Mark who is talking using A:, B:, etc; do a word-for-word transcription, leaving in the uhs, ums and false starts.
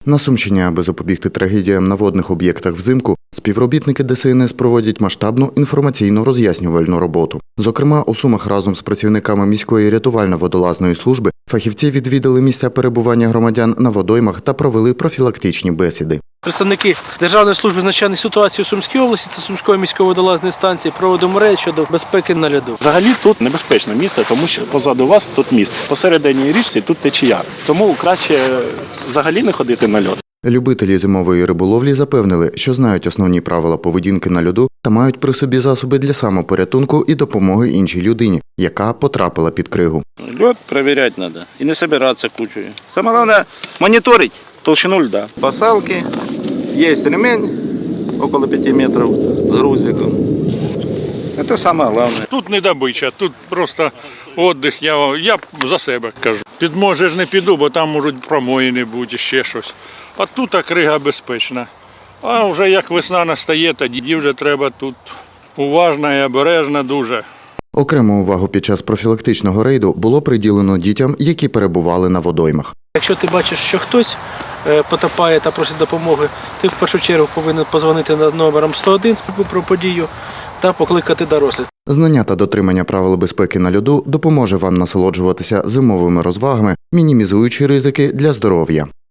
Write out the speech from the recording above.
A: На Сумщині, аби запобігти трагедіям на водних об'єктах взимку, співробітники Де Се Ен Ес проводять масштабну інформаційно-роз'яснювальну роботу. Зокрема, у Сумах разом з працівниками міської рятувально-водолазної служби фахівці відвідали місця перебування громадян на водоймах та провели профілактичні бесіди.
B: Представники Державної служби з надзвичайних ситуацій у Сумській області та Сумської міської водолазної станції проводимо рейд щодо безпеки на льоду.
C: Взагалі тут небезпечне місце, тому що позаду вас тут міст. Посередині річці тут течія. Тому краще взагалі не ходити на льод.
A: Любителі зимової риболовлі запевнили, що знають основні правила поведінки на льоду та мають при собі засоби для самопорятунку і допомоги іншій людині, яка потрапила під кригу.
D: Лед проверять надо и не собираться кучей. Самое главное мониторить толщину льда. Посалки, есть ремень около пяти метров с грузиком. Это самое главное.
E: Тут не добича, тут просто відпочинок, я, я за себе кажу. Під море ж не піду, бо там можуть промоїни бути, ще щось. А тут крига безпечна. А вже як весна настає, тоді вже треба тут уважно і обережно дуже.
A: Окрему увагу під час профілактичного рейду було приділено дітям, які перебували на водоймах.
B: Якщо ти бачиш, що хтось потопає та просить допомоги, ти в першу чергу повинен подзвонити над номером сто один про подію та покликати дорослих.
A: Знання та дотримання правил безпеки на льоду допоможе вам насолоджуватися зимовими розвагами, мінімізуючи ризики для здоров'я.